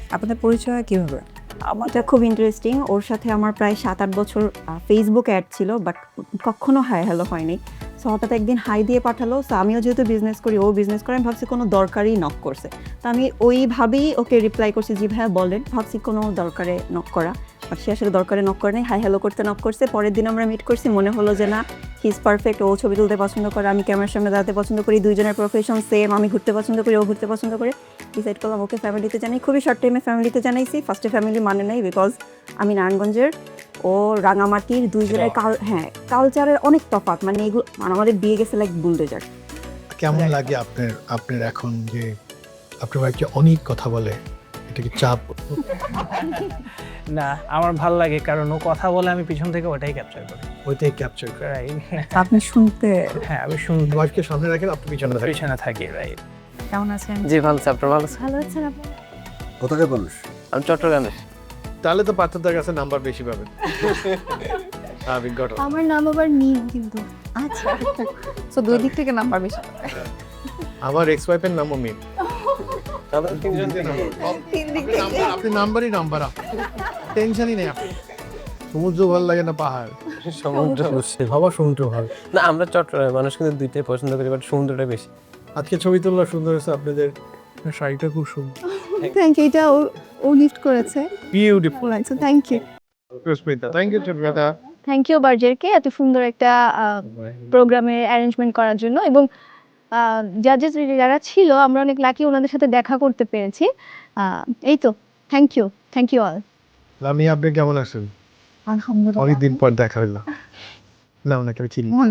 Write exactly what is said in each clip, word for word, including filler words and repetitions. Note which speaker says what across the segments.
Speaker 1: আপনাদের পরিচয় কিভাবে?
Speaker 2: আমারটা খুব ইন্টারেস্টিং। ওর সাথে আমার প্রায় সাত আট বছর ফেসবুক অ্যাড ছিল, বাট কখনো হাই হ্যালো হয়নি। সো হঠাৎ একদিন হাই দিয়ে পাঠালো। সো আমিও যেহেতু বিজনেস করি, ও বিজনেস করে, আমি ভাবছি কোনো দরকারই নক করছে। তো আমি ওইভাবেই ওকে রিপ্লাই করছি, জি ভাইয়া বলেন। ভাবছি কোনো দরকারে নক করা, বাট সে আসলে দরকারে নক করে নাই, হাই হ্যালো করতে নক করছে। পরের দিন আমরা মিট করছি, মনে হলো যে না, হি ইজ পারফেক্ট। ও ছবি তুলতে পছন্দ করে, আমি ক্যামেরার সামনে দাঁড়াতে পছন্দ করি, দুইজনের প্রফেশন সেম। আমি ঘুরতে পছন্দ করি, ও ঘুরতে পছন্দ করে। ডিসাইড করলাম ওকে ফ্যামিলিতে জানাই। খুবই শর্ট টাইমে ফ্যামিলিতে জানাইছি। ফার্স্টে ফ্যামিলি মানে নাই, বিকজ আমি নারায়ণগঞ্জের, ও রাঙামাটির, দুইজনের কাল হ্যাঁ কালচারের অনেক তফাৎ। মানে এগুলো মানে আমাদের বিয়ে গেছে লাইক বুলডোজার।
Speaker 3: কেমন লাগে আপনার আপনার এখন যে আপনার বাড়িতে অনেক কথা বলে, এটা কি চাপ?
Speaker 4: না, আমার ভালো লাগে, কারণ ও কথা বলে, আমি পিছন থেকে ওটাই ক্যাপচার করি।
Speaker 3: ওইটাই ক্যাপচার করে।
Speaker 4: রাইট।
Speaker 1: আপনি শুনতে
Speaker 4: হ্যাঁ, আমি শুনতে
Speaker 3: ওয়াইফকে সামনে রাখেন, আপনি পিছনে থাকেন।
Speaker 4: পিছনে থাকি। রাইট।
Speaker 1: কেমন আছেন?
Speaker 5: জি ভালো আছে, আপনার ভালো আছে?
Speaker 2: ভালো আছেন আপনি?
Speaker 6: কোথাকার মানুষ?
Speaker 5: আমি চট্টগ্রামের।
Speaker 3: তাহলে তো পাত্রদের কাছে নাম্বার বেশি পাবেন। স্বাভাবিক ঘটনা।
Speaker 2: আমার নাম আবার নীল কিন্তু।
Speaker 1: আচ্ছা, সো দুই দিক থেকে নাম্বার বেশি।
Speaker 3: আমার এক্স ওয়াইফের নামও মিম।
Speaker 5: তাহলে তিনজন
Speaker 1: তিন দিক থেকে।
Speaker 3: আপনি নাম্বারই নাম্বার, টেনশনই নেই আপনি। সমুদ্র ভালো লাগে না পাহাড়?
Speaker 5: সমুদ্র।
Speaker 3: বাবা সমুদ্র ভালো।
Speaker 5: না, আমরা চট্টগ্রামের মানুষ কিন্তু দুইটাই পছন্দ করি, বাট সমুদ্রটা বেশি।
Speaker 3: আজকে ছবি তোলা সুন্দর হয়েছে আপনাদের, শাড়িটা খুব সুন্দর।
Speaker 2: Thank you. এটা ও ও লিফট করেছে।
Speaker 3: Beautiful.
Speaker 2: So thank you.
Speaker 3: Susmita, thank you Susmita.
Speaker 2: Thank you বার্জারকে এত সুন্দর একটা প্রোগ্রামের অ্যারেঞ্জমেন্ট করার জন্য। এবং জাজেস যারা ছিল, আমরা অনেক লাকি ওনাদের সাথে দেখা করতে পেরেছি। আহ, এই তো, thank you, thank you all.
Speaker 3: লামি, আপনি কেমন আছেন?
Speaker 1: আলহামদুলিল্লাহ।
Speaker 3: অনেকদিন পর দেখা হইলো। না ওনাকে আমি চিনি।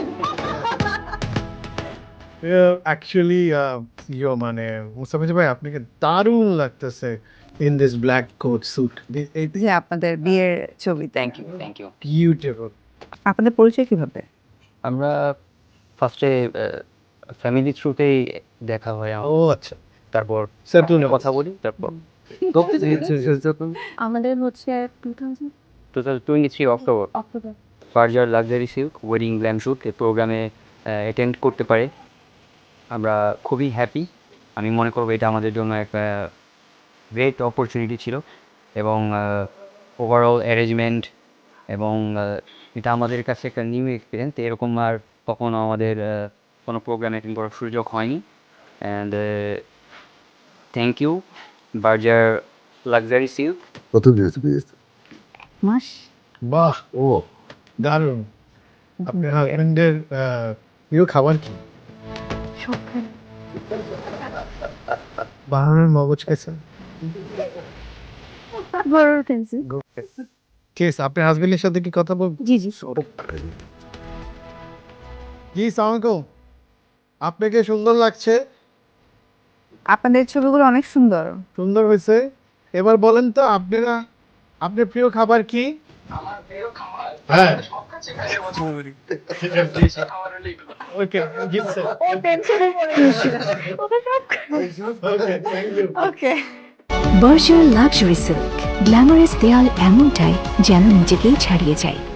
Speaker 3: অ্যাকচুয়ালি ইয়ো মানে মুস্তাফা ভাই, আপনাকে দারুণ লাগতেছে in this black coat suit. এই
Speaker 1: যে আপনাদের বিয়ের ছবি।
Speaker 5: Thank you, thank you.
Speaker 3: Beautiful.
Speaker 1: আপনাদের পরিচয় কিভাবে?
Speaker 5: আমরা ফার্স্টে ফ্যামিলি থ্রুতেই দেখা হয় আমার।
Speaker 3: ও আচ্ছা,
Speaker 5: তারপর
Speaker 3: সেটল
Speaker 5: কথা বলি, তারপর
Speaker 2: আমাদের হচ্ছে two thousand
Speaker 5: total twenty three October
Speaker 2: October.
Speaker 5: Berger luxury silk wedding glam shoot এই প্রোগ্রামে অ্যাটেন্ড করতে পারে আমরা খুবই হ্যাপি। আমি মনে করবো এটা আমাদের জন্য একটা গ্রেট অপরচুনিটি ছিল, এবং ওভারঅল অ্যারেঞ্জমেন্ট, এবং আহ, এটা আমাদের কাছে একটা নিউ এক্সপিরিয়েন্স। এরকম আর কখনো আমাদের আহ, কোনো প্রোগ্রাম অ্যাটেন্ড করার সুযোগ হয়নি। And thank you Berger luxury silk.
Speaker 6: কত দিয়েছে বিয়ে?
Speaker 2: মাস।
Speaker 3: বাহ,
Speaker 6: ও
Speaker 3: দারুণ। আপনার হাজবেন্ডের প্রিয় খাবার কি? বাহানের মগজ খাইছেন?
Speaker 2: বড় টেনশন।
Speaker 3: কেস আপনার হাজবেন্ডের সাথে কি কথা বল?
Speaker 2: জি জি।
Speaker 3: জি সালামালাইকুম। আপনাকে সুন্দর লাগছে।
Speaker 1: আপনাদের ছবিগুলো অনেক সুন্দর।
Speaker 3: সুন্দর হয়েছে। এবার বলেন তো আপনারা, আপনার প্রিয় খাবার কি? আমার প্রিয় খাবার হ্যাঁ ওকে জিতছে।
Speaker 2: ও টেনশনে পড়ে গেছে। ওকে সব।
Speaker 3: Okay thank you.
Speaker 2: ওকে।
Speaker 7: বর্ষার লাক্সারি সিল্ক, গ্ল্যামারাস দেয়াল এমনটাই যেন নিজেকেই ছাড়িয়ে যায়।